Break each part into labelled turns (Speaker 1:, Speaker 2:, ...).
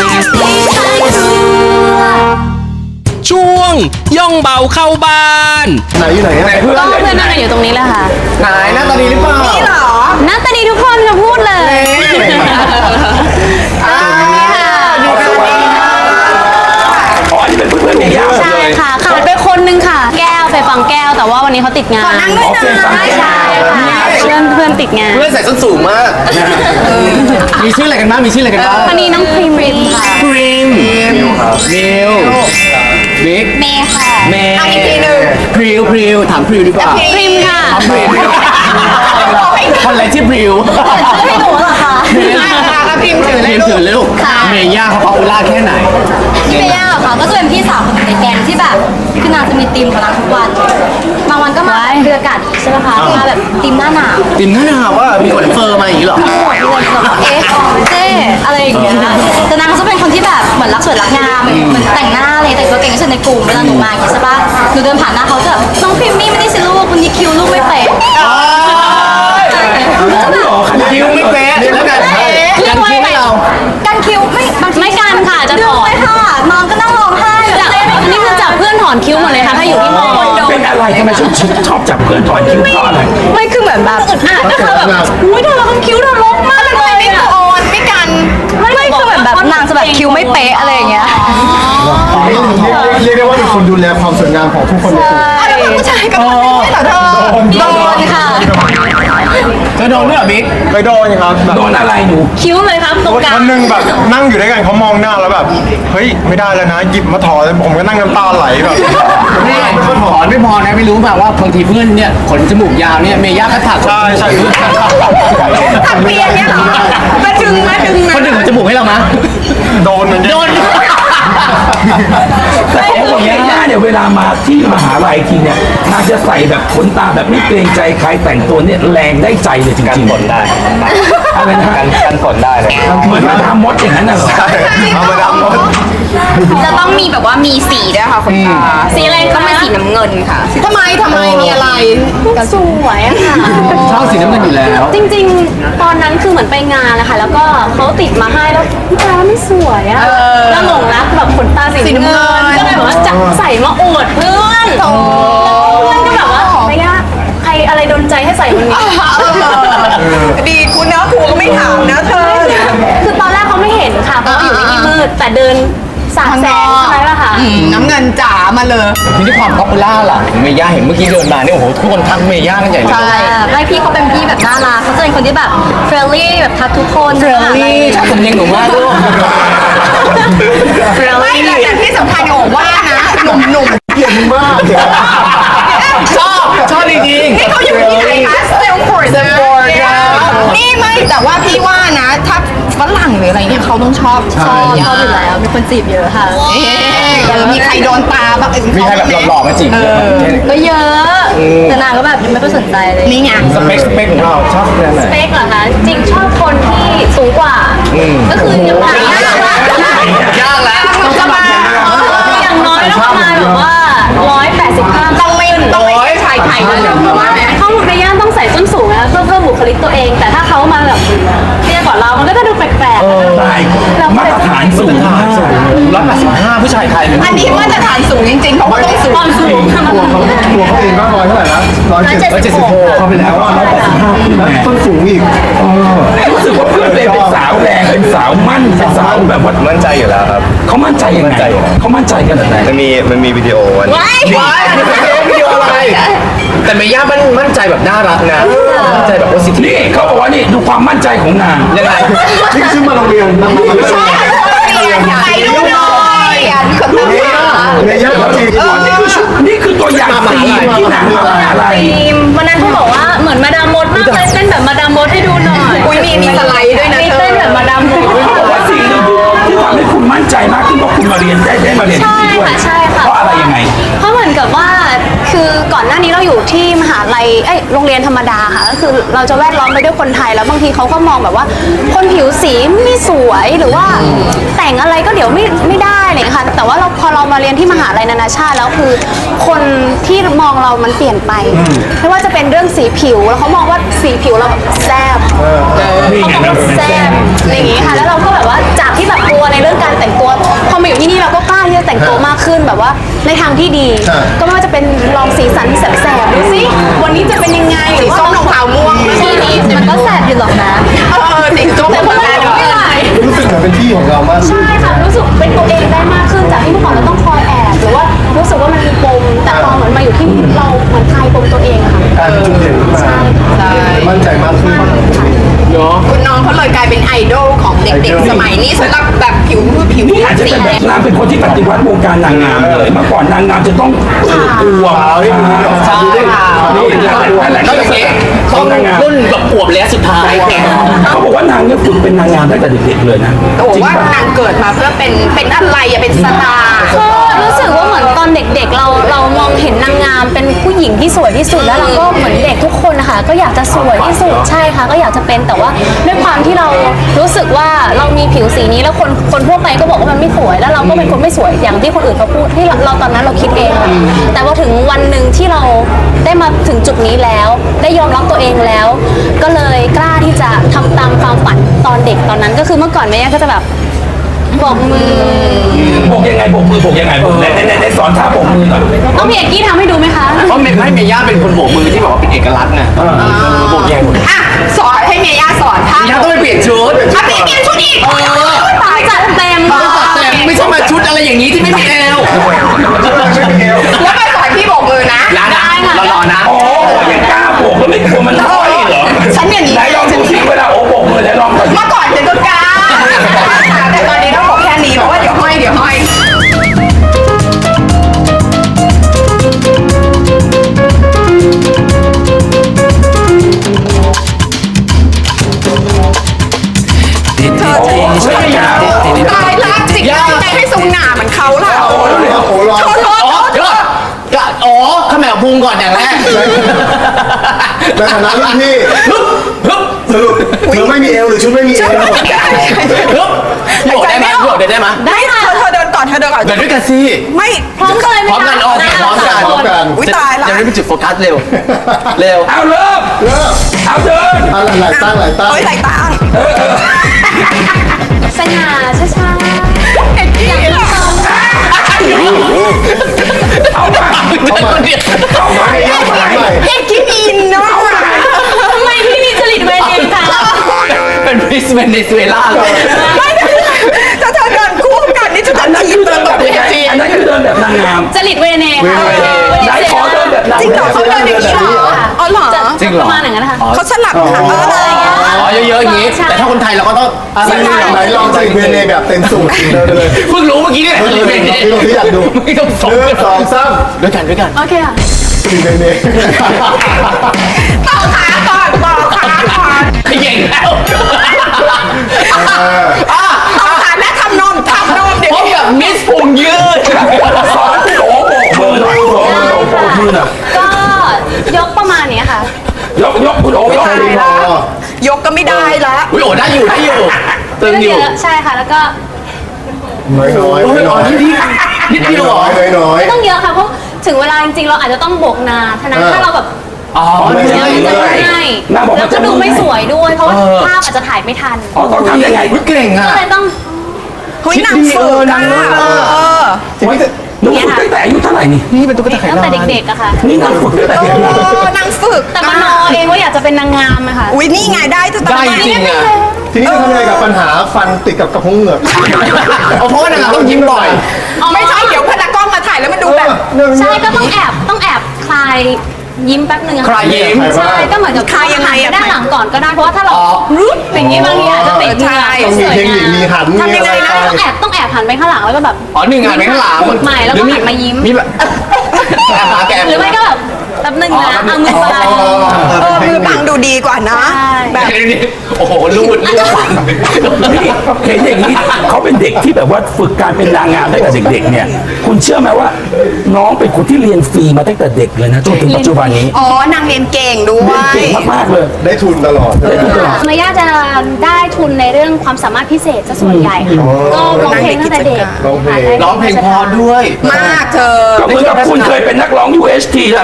Speaker 1: ช่วงย่องเบาเข้าบ้าน
Speaker 2: ไหนอยู่ไหนไหนเพื่อน
Speaker 3: ก็เพื่อนนั่งกันอยู่ตรงนี้แหละค่ะ
Speaker 2: ไหนหน้าตาดีหรือเปล่านี่เหรอ
Speaker 3: หน้าตาดีทุกคนจะพูดเลย
Speaker 4: อ๋ออันนี้เป็นเพื่อนๆเมย่า
Speaker 3: ใช่ค่ะขาดไปคนนึงค่ะ แก้วไปฟังแก้วแต่ว่าวันนี้เขาติดงานนั่งด้วยนะใช่ค่ะเพื่อนติดงาน
Speaker 2: เพื่อนใส่ส้นสูงมากมีชื่ออะไรกันบ้างมีชื่ออะไรกันบ้าง
Speaker 3: วันนี้น้องพริมค่ะ
Speaker 2: พริมนิวครับนิวบิ๊ก
Speaker 3: เมย์ค่ะ
Speaker 2: เมย์อีกทีนึงพริวถามพริวดีกว่า
Speaker 3: พริมค่ะ
Speaker 2: พริวคนอะไรที่พริว
Speaker 3: ไม่หนูเหรอคะ
Speaker 2: พริมถือเลยลูกเมย่าเขาป๊อปปูล่าแค่ไหน
Speaker 3: พี่เมย่าค่ะก็จะเป็นพี่สาวของในแกงที่แบบคือนางจะมีธีมของนางทุกวันบางวันก็มาเรืออากาศใช่ไหมคะมาแบบธีมหน้าหนาว
Speaker 2: ติมหน้าหนาวว่ามีขนเฟอร์มาอย่างนี้เหรอ
Speaker 3: เอ๊ะเจ๊อะไรอย่างเงี้ยแต่นางจะเป็นคนที่แบบเหมือนรักสวยรักงามเหมือนแต่งหน้าเลยแต่งตัวเก่งที่สุดในกลุ่มเวลาหนูมาอย่างเงี้ยใช่ปะหนูเดินผ่านหน้าเขาจะแบบน้องพิมมี่ไม่ได้สิลูกวันนี้คิวลูกไม่เป๊ะ
Speaker 2: คิวไม่เป๊ะแล้วกันกันคิวให้เรา
Speaker 3: กันคิวไม่บางทีไม่กันค่ะจะถอนค่ะน้องก็นั่งร้องไห้นี่คือจับเพื่อนถอนคิ้วหมดเลยค่ะถ้าอยู่ที่มอ
Speaker 4: เป็นอะไรทำไมชอบจับเพื่อนถอนคิ้วเพราะอะไร
Speaker 3: ไม่คือเหมือนแบบอึดอัดนะคะแบบอุ้ยเธอเราทำคิ้วเธอลกมากเลยไม่โอนไม่กันไม่คือเหมือนแบบนางจะแบบคิ้วไม่เป๊ะอะไรอย่างเงี้ย
Speaker 5: เรียกได้ว่าเป็นคนดูแลความสวยงามของทุกคนในกลุ่ม
Speaker 3: แล้วผู้ชายก็โดนค่ะ
Speaker 2: เธอโดนด้วยเหรอบิ๊ก
Speaker 5: ไปโดนครับแบบ
Speaker 4: โดนอะไรหนู
Speaker 3: คิ้วเลยครับตรงกลาง
Speaker 5: วันหนึ่งแบบนั่งอยู่ด้วยกันเขามองหน้าแล้วแบบเฮ้ยไม่ได้แล้วนะหยิบมาถอดแล้วผมก็นั่งน้ำตาไหลแบบ
Speaker 2: นี่ถอนไม่พอนะไม่รู้แบบว่าบางทีเพื่อนเนี่ยขนจมูกยาวเนี่ยเมย่าก็ถัก
Speaker 5: ใช่
Speaker 3: ถักเปียเนี่ยมาดึงนะ
Speaker 2: คนหนึ่งขนจมูกให้เรามะ
Speaker 5: โดนเหมือนกัน
Speaker 2: โดน
Speaker 4: แต่เขาบอกเมย่าเนี่ยเวลามาที่มหาลัยทีเนี่ยนางจะใส่แบบขนตาแบบไม่เกรงใจใครแต่งตัวเนี่ยแรงได้ใจเลยจริงๆกันฝนได้อะไรนะกันฝนได้เลยเหมือนมาทำมดอย่างนั้นน่ะเหรอ
Speaker 5: เอามาดำหมด
Speaker 6: จะต้องมีแบบว่ามีสีด้วยค่ะคุณตา
Speaker 3: สีอะไร
Speaker 6: ต้
Speaker 3: คะ
Speaker 6: องเป็นสีน้ำเงินค่ะ
Speaker 3: ทำไมมีอะไรสวยอะค่ะ
Speaker 2: ชอบสีน้ำเงินอยู่แล้ว
Speaker 3: จริงๆ ตอนนั้นคือเหมือนไปงานนะคะแล้วก็เขาติดมาให้แล้วตาไม่สวยอะแล้วหลงรักแบบขนตาสีน้ำเงินก็เลยแบบว่าจับใส่มาอวดเพื่อนเพื่อนก็แบบว่าไม่ยากใครอะไรโดนใจให้ใส่วันนี้
Speaker 6: ดีคุณนะครูก็ไม่ถามนะเธอ
Speaker 3: คือตอนแรกเขาไม่เห็นค่ะเพราะว่าอยู่ในที่มืดแต่เดินสาดแสงใช่ไหมล่ะคะ
Speaker 6: น้ำเงินจ๋ามาเลย
Speaker 2: ทีนี้ความป๊อปปูล่าล่ะเมย่าเห็นเมื่อกี้เดินมาเนี่ยโอ้โหทุกคนทักเมย่ากันใหญ่เลย
Speaker 3: ใช่ไม่พี่เขาเป็นพี่แบบน่ารักเขาจะเป็นคนที่แบบเฟรนลี่แบบทักทุกคน
Speaker 2: เฟรนลี่ชอบสำเนียงหนูมากลูก
Speaker 6: ไม่แต่ที่สำคัญโอ้ว่านะหนุ่ม
Speaker 2: ชอบจริง
Speaker 6: ๆนี่เขาอยู่ที่ไหนคะสเตลฟอร์ดนี่ไม่แต่ว่าพี่ว่านะถ้าฝรั่งหรืออะไรเนี่ยเขาต้องชอบ
Speaker 3: ชอบอยู่แล้วมีคนจีบเยอะค่ะ
Speaker 6: มีใครโดนตาบ้าง
Speaker 2: มีใครแบบหล่อๆมาจีบเยอะไหม
Speaker 3: ก็เยอะแต่นางก็แบบไม่ค่อยสนใจเลย
Speaker 6: นี่ไง
Speaker 2: สเปคของเราชอบแบบไหน
Speaker 3: สเปคเหรอคะจริงชอบคนที่สูงกว่าก็คืออย่างน้อย
Speaker 2: ยากแล้ว
Speaker 6: จะมา
Speaker 3: อย่างน้อยต้องประมาณแบบว่า185
Speaker 6: ต้องไม่ชายไทยด้วยเพราะว่า
Speaker 3: เข้าในย่านต้องใส่ส้นสูงนะเพื่อเพิ่มบุคลิกตัวเอง แต่ถ้าเขามาแบบเตี้ยกว่าเรามันก็จะดูแปลก
Speaker 4: ตายมาตรฐานสูงมาก
Speaker 2: 185ผู้ชายไทยเลย
Speaker 6: อันนี้มาตรฐานสูงจริงๆเพราะว่าต้องสูง
Speaker 3: ความสูง
Speaker 5: ตัวเขาเองก็ร้อยเท่าไหร่นะ176
Speaker 4: เข้าไปแล้วว่า185
Speaker 5: ต้นสูงอีก
Speaker 4: รู้สึกว่าเพื่อนเลยเป็นสาวแรงเป็นสาวมั่นเป็นสาวแบบว่า
Speaker 7: มั่นใจอยู่แล้วครับ
Speaker 4: เขามั่นใจยังไงเขามั่นใจกันแบบไหน
Speaker 7: มันมีวิดีโอวัน
Speaker 2: ว้ายวิดีโออะไร แต่เมย่ามั่นใจแบบน่ารักนะ มั่นใจแบบโพสิทีฟ
Speaker 4: นี่เขาบอกว่านี่ดูความมั่นใจของนาง
Speaker 2: ยังไง
Speaker 5: นี่ขึ้นมาโรงเรียนมาไม่ใช่
Speaker 6: ใครดูหน่อยคนต้องมา
Speaker 5: ในย่านจริง
Speaker 4: นี่คือตัวอย่างสีที่นางทำอะไร
Speaker 3: ทีมวันนั้นเขาบอกว่าเหมือนมาดามมดมากเลยเต้นแบบมาดามมดให้ดูหน่อย
Speaker 6: อุ้ยมีสไลด์ด้วยนะ
Speaker 3: มี
Speaker 6: เธอ
Speaker 3: เต้นแบบมาดามมด
Speaker 4: บอกว่าสิ่งหนึ่งที่ทำให้คุณมั่นใจมากขึ้นเพราะคุณมาเรียนได้มาเรียนที่
Speaker 3: ใช่
Speaker 4: นี่ด้วย
Speaker 3: ค่ะใช่ค่ะ
Speaker 4: เพราะอะไรยังไง
Speaker 3: เพราะเหมือนกับว่าคือก่อนหน้านี้เราอยู่ที่มหาลัยโรงเรียนธรรมดาค่ะก็คือเราจะแวดล้อมไปด้วยคนไทยแล้วบางทีเขาก็มองแบบว่า คนผิวสีไม่สวยหรือว่าแต่งอะไรก็เดี๋ยวไม่ได้อะไรอย่างเลยค่ะแต่ว่าพอเรามาเรียนที่มหาลัยนานาชาติแล้วคือคนที่มองเรามันเปลี่ยนไปไม่ว่าจะเป็นเรื่องสีผิวแล้วเขามองว่าสีผิวเราแบบแซ่บ
Speaker 4: นี่ไง
Speaker 3: เขาบอกว่าแซ่บอะไรอย่างงี้ค่ะแล้วเราก็แบบว่าจากที่แบบกลัวในเรื่องการแต่งตัวมากขึ้นแบบว่าในทางที่ดี ก็ไม่ว่าจะเป็นลองสีสันแสบๆดูสิวันนี้จะเป็นยังไงหรือว่า
Speaker 6: ส้มรองเท้าม่วง
Speaker 3: ทีนี้มันก็แสบอยู่หรอกนะ
Speaker 6: สีส้ม
Speaker 3: แต่พวกเราไม่ไหว
Speaker 2: รู้สึกเหมือนเป็นที่ของเรามาก
Speaker 3: ใช่ค่ะรู้สึกเป็นตัวเองได้มากขึ้นจากที่เมื่อก่อนเราต้องคอยแอบหรือว่ารู้สึกว่ามันมีปมแต่พอเหมือนมาอยู่ที่นี่เราเหมือนคลายปมตัวเองอะค่ะ
Speaker 2: การจุดเด่นขึ้นมา
Speaker 3: ใช่
Speaker 2: มั่นใจมากขึ้น
Speaker 3: ค่ะ
Speaker 6: คุณน้องเขาเลยกลายเป็นไอดอลของเด็กๆสมัยนี้สำหรับแบบผิว
Speaker 4: นี่อาจจะ
Speaker 6: สี
Speaker 4: เป็นแบบนางเป็นคนที่ปฏิวัติวงการนางงามเลยเมื่อก่อนนางงามจะต้องอวบ
Speaker 2: ใช่ค่ะ
Speaker 4: นี่แหละ
Speaker 2: ก็อย่างนี้ต้องรุ่นแบบอวบแล้วสุดท้ายแก
Speaker 4: เขาบอกว่านางเนี่ยฝึกเป็นนางงามตั้งแต่เด็กๆเลยนะ
Speaker 6: โอ้
Speaker 4: จริง
Speaker 6: ว่า
Speaker 4: ปะ
Speaker 6: นางเกิดมาเพื่อเป็นอะไรอะเป็นสตาร์
Speaker 3: ก็รู้สึกว่าเหมือนตอนเด็กๆเรามองเห็นนางงามเป็นผู้หญิงที่สวยที่สุดแล้วเราก็เหมือนเด็กทุกคนนะคะก็อยากจะสวยที่สุดใช่ค่ะก็อยากจะเป็นแต่ว่าด้วยความที่เรารู้สึกว่าเรามีผิวสีนี้แล้วคนทั่วไปก็บอกว่ามันไม่สวยแล้วเราก็เป็นคนไม่สวยอย่างที่คนอื่นเขาพูดที่เราตอนนั้นเราคิดเองค่ะแต่พอถึงวันหนึ่งที่เราได้มาถึงจุดนี้แล้วได้ยอมรับตัวเองแล้ว ก็เลยกล้าที่จะทำตามความฝันตอนเด็กตอนนั้นก็คือเมื่อก่อนแม่ก็จะแบบบอกมือ
Speaker 4: บอกยังไงบอกมือบอกยังไงบอกในสอนท่าบอกมือหน่อย
Speaker 3: ต้องพี่เอกกี้ทำให้ดูไหมคะ
Speaker 2: เพราะเมย่าเป็นคนโบกมือที่บอกว่าเป็นเอกลักษณ์ไงโบกแยงหมด
Speaker 6: อ่ะสอนให้เมย่าสอนท่า
Speaker 2: ย่าต้องไปเปลี่ยนชุด
Speaker 6: อ่ะพี่เปลี่ยนชุดอีกตาย
Speaker 3: จัดเต็ม
Speaker 2: แต่ไม่ใช่มาชุดอะไรอย่างนี้ที่ไม่มีแอล
Speaker 6: แล้วไปสอนพี่โบกมือนะ
Speaker 2: ร้านนะรอนะ
Speaker 4: โอ้ยังกล้าบอกแล้วไม่กลัวมันห้อยเหรอ
Speaker 6: ฉันอย่างนี้
Speaker 4: ไหนลองดูสิเวลาโอ้บอกมือไหนลองก่อน
Speaker 6: เมื่อก่อนฉันก็กล้าแต่ตอนนี้ต้องบอกแค่นี้เพราะว่าเดี๋ยวห้อย
Speaker 4: ไม่ยาว
Speaker 6: ตายละจิกใจให้ทรงหนาเหมือนเขาล่ะ
Speaker 2: โอ้โหร้อน
Speaker 6: เขาร้อน
Speaker 2: เดี๋ยวอ๋อขมวพุงก่อนอย่างแรก
Speaker 8: ในฐานะรุ่นพี่สรุปเธอไม่มีเอวหรือชุดไม่มีเอว
Speaker 2: โยกได้ไหมโยกได้ไหม
Speaker 6: ได้ค่ะเธอเดินก่อน
Speaker 2: เดินด้วยกันสิ
Speaker 6: ไม่
Speaker 3: พร้อมกันเลยไหม
Speaker 2: พร้อมกันออกพร้อมกัน
Speaker 8: พร้อมกัน
Speaker 6: อุ้ยตายละ
Speaker 2: จะได้เป็นจุดโฟกัสเร็ว เร็ว
Speaker 4: เอาเริ่ม
Speaker 8: เริ่ม
Speaker 4: เอาเดิน
Speaker 8: อะไรหลายตั้งหลายตั้ง
Speaker 6: โอ้ยไหลตา
Speaker 3: สง่าช้าๆ
Speaker 6: เด็กพี่เหรอ
Speaker 4: เอามา
Speaker 8: เอามาให้ย่ามาใหม่
Speaker 6: เด็กกินอินเนาะ
Speaker 3: ทำไมพี่มีจริตเวเนคะ
Speaker 2: เป็นมิสเวเนซุเอลาเลย
Speaker 6: ไม่ถ้าเธอเดินคู่กันนี่จะ
Speaker 4: อันนั้น
Speaker 6: จี
Speaker 4: คื
Speaker 6: บ
Speaker 4: อเดินแบบยังไงอันนั้นคือเดินแบบนางงาม
Speaker 3: จริตเวเนค่ะ
Speaker 4: ไหนขอเดินแบบนาง
Speaker 6: จริงเหรอง
Speaker 4: าม
Speaker 6: เขาเดินอย่างนี้เหรออ๋อเหรอ
Speaker 3: จะประมาณอย่างนั้นนะคะ
Speaker 6: เขาสลับขาอะไรอย่างเงี้ย
Speaker 2: อ๋อเยอะๆอย่างนี้ แต่ถ้าคนไทยเราก็ต้อง
Speaker 8: ไหนลองใส่เวเนแบบเต็มสูตรเดินไปเลย
Speaker 2: เพิ่งรู้เมื่อกี้เนี่ย
Speaker 8: เวเนที่อยากดู
Speaker 2: ไม่ต้องสอง
Speaker 8: 1 2 3
Speaker 2: ด้วยกัน
Speaker 3: โอเคค่ะ
Speaker 8: เวเน
Speaker 6: ต่อขาก่อน
Speaker 2: เก่งแล้ว
Speaker 6: ต่อขาและทำนมเดี๋ยว
Speaker 2: พบกับมิสพุงยืด
Speaker 4: สอนโอ้บอกมือหน่อยโบอกมือหน่อย
Speaker 3: ก็ยกประมาณนี้ค่ะ
Speaker 4: ยกคุณโอ้ยก
Speaker 6: ยกก็ไม่ได้ละ
Speaker 2: อุ้ยโอ้ได้อยู่ตึงอยู่
Speaker 3: เยอะใช่ค่ะแล้วก็
Speaker 8: น้อยน้อย
Speaker 2: โอ้ยอ๋อนิดเดียวเหรอ
Speaker 8: น้อย
Speaker 3: ไม่ต้องเยอะค่ะเพราะถึงเวลาจริงๆเราอาจจะต้องโบกนานฉะนั้นถ้าเราแบบ
Speaker 2: อ๋อ
Speaker 3: เยอะมันจะง่ายแล้วก็ดูไม่สวยด้วยเพราะว่าภาพอาจจะถ่ายไม่ทัน
Speaker 4: อ๋อต้องทำยังไง
Speaker 2: เก่งอ่ะ
Speaker 3: ก็เลยต้อง
Speaker 6: เฮ้ยนางฝึกอ่ะ
Speaker 4: หนูฝึกตั้งแต่อายุเท่าไหร่นี่
Speaker 2: นี่เป็นตุ๊กตาไข่
Speaker 3: ตั้ง
Speaker 2: ดาว
Speaker 3: แต่เด็กๆอะค่ะ
Speaker 4: นี่นางฝึกตั้งแต่เด็กเลย
Speaker 6: นางฝึก
Speaker 3: แต่มโนเองว่าอยากจะเป็นนางงามอะค่ะ
Speaker 6: อุ้ยนี่ไงได้จะ
Speaker 2: ได้จริงอ่ะ
Speaker 8: ทีนี้จะทำยังไงกับปัญหาฟันติดกับกระพุ้งเหงือก
Speaker 2: เพราะว่านางต้องยิ้มบ่อย
Speaker 6: ไม่ใช่เดี๋ยวพนักกล้องมาถ่ายแล้วมันดูแบบ
Speaker 3: ใช่ก็ต้องแอบคลายยิ้มแป๊บนึงอะ
Speaker 2: คลายยิ้ม
Speaker 3: ใช่ก็เหมือนกับ
Speaker 6: คลายยังไงอะ
Speaker 3: ด้านหลังก่อนก็ได้เพราะว่าถ้าเรารุดอย่างนี้บางทีอาจจะติดเหงื่อ
Speaker 8: ต้อง
Speaker 3: ส
Speaker 8: มี
Speaker 3: วย
Speaker 8: เทคนิค
Speaker 3: งาม
Speaker 8: มีหัน
Speaker 6: ทำยังไงนะ
Speaker 3: ต้องแอบหันไปข้างหลังแล้วก็แบบ
Speaker 2: อ๋อหนึ่งงานไปข้างหลัง
Speaker 3: ใหม่แล้วก็หันมายิ้ม
Speaker 2: มีแบบแก
Speaker 3: หรือไม่ก็แบบแป๊บนึงนะเอามือไป
Speaker 6: มือบังดูดีกว่านะ
Speaker 3: ใช่
Speaker 6: แบบ
Speaker 2: โอ้โหลูด
Speaker 4: นี่เห็นอย่างนี้เขาเป็นเด็กที่แบบว่าฝึกการเป็นนางงามตั้งแต่เด็กๆเนี่ย คุณเชื่อไหมว่า น้องเป็นคนที่เรียนฟรีมาตั้งแต่เด็กเลยนะจนถึงปัจจุบันนี้
Speaker 6: อ๋อนางเรียนเก่งด้ว
Speaker 4: เรียน
Speaker 6: ย
Speaker 4: เก่งมากๆเลย
Speaker 8: ได้ทุนตลอด
Speaker 3: เมย่าจะได้ทุนในเรื่องความสามารถพิเศษซะส่วนใหญ่ค่ะก็ร้องเพลงตั้งแต่เด็ก
Speaker 2: ร้องเพลงพอด้วย
Speaker 6: มากเธอ
Speaker 4: ก็เหมือนกับคุณเคยเป็นนักร้อง UHT แล้วก่อนที่จะเป็น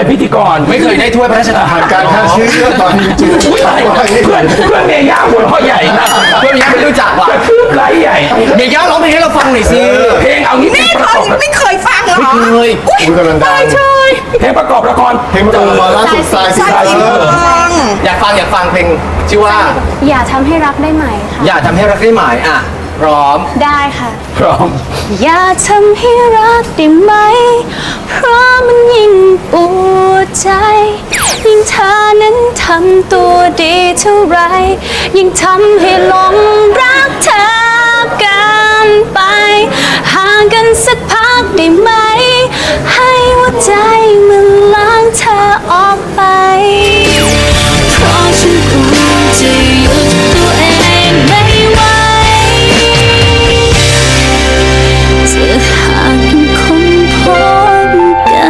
Speaker 4: เป็นพิธีกร
Speaker 2: ไม่เคยได้ถ้วยพระราชทาน
Speaker 8: ผ่านการฆ่าเชื้อตอนจริง
Speaker 4: อุ๊ยตายเพื่อนเมย่าหัวเราะใหญ่นะ
Speaker 2: เพื่อนยังไม่รู้จักว่ะ
Speaker 4: กระทืบไหลใหญ่
Speaker 2: เมย่าร้องเพลงให้เราฟังหน่อยสิ
Speaker 4: เพลงเอางี้เพล
Speaker 6: นี่
Speaker 4: งประ
Speaker 6: เขา
Speaker 4: กอบ
Speaker 6: ไม่เคยฟังเหรอ
Speaker 2: ไม่เคย
Speaker 8: คุณกำลังดัง
Speaker 4: เพลงประกอบละคร
Speaker 8: เพลงประกอบละครล่าสุดสายสี
Speaker 6: ใช่
Speaker 8: เออ
Speaker 2: อยากฟังเพลงชื่อว่า
Speaker 3: อย่าทำให้รักได้ไหมค่ะ
Speaker 2: อย่าทำให้รักได้หมายอ่ะพร้อม
Speaker 3: ได้ค่ะ
Speaker 4: พร้อม
Speaker 3: อย่าทำให้รักได้ไหม เพราะมันยิ่งปวดใจ ยิ่งเธอนั้นทำตัวดีเท่าไร ยิ่งทำให้หลงรักเธอเกันไป ห่างกันสักพักได้ไหม ให้หัวใจมันล้างเธอออกไป เพราะฉันกลัวจะหยุดตัวเองไม่ไหว จะหากยังคงพบกัน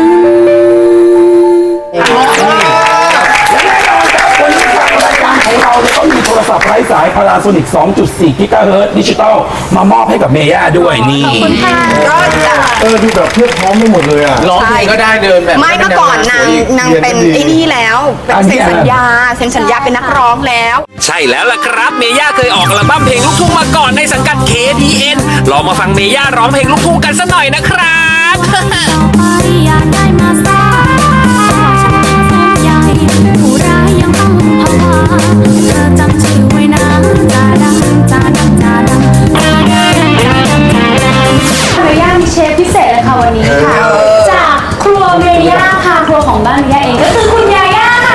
Speaker 4: และแน่นอนครับวันนี้ทางรายการของเราเนี่ยก็มีโทรศัพท์ไร้สาย Panasonic 2.4 กิกะเฮิรตซ์ดิจิตอลมามอบให้กับเมย่าด้วยนี่
Speaker 6: ก็จะ
Speaker 8: ดูแบบเพียบพร้อมไปหมดเลยอ่ะ
Speaker 2: ร้องเพลงก็ได้เดินแบบ
Speaker 6: ไม่เมื่อก่อนนางเป็นไอ้นี่แล้วเป็นเซ็นสัญญาเป็นนักร้องแล้ว
Speaker 1: ใช่แล้วล่ะครับเมย่าเคยออกอัลบั้มเพลงลูกทุ่งมาก่อนในสังกัด KDN ลองมาฟังเมย่าร้องเพลงลูกทุ่งกันสักหน่อยนะครับ
Speaker 3: อยากได้มาสายฉันสนใจผู้ร้ายยังต้องภาวะเธอจำชื่อไว้นะจาดังจาดังจาดังจาดังจาดังจาดังเมย่ามีเชฟพิเศษเลยค่ะวันนี้ค่ะ จากครัวเมย่าค่ะครัวของบ้านเมย่าเองก็คือคุณยาย่าค่ะ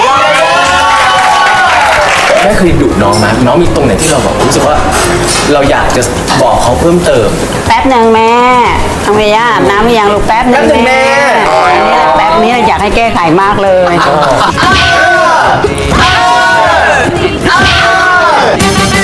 Speaker 2: แม่เคยดุน้องไหมน้องมีตรงไหนที่เราบอกรู้สึกว่า เราอยากจะบอกเขาเพิ่มเติม
Speaker 9: แป๊บหนึ่งแม่ทำไมย่าอาบน้ำหรือยังลูกแป๊บหนึ่ง
Speaker 2: แป๊บหนึ่งแม่
Speaker 9: แป๊บนี้อยากให้แก้ไขมากเลย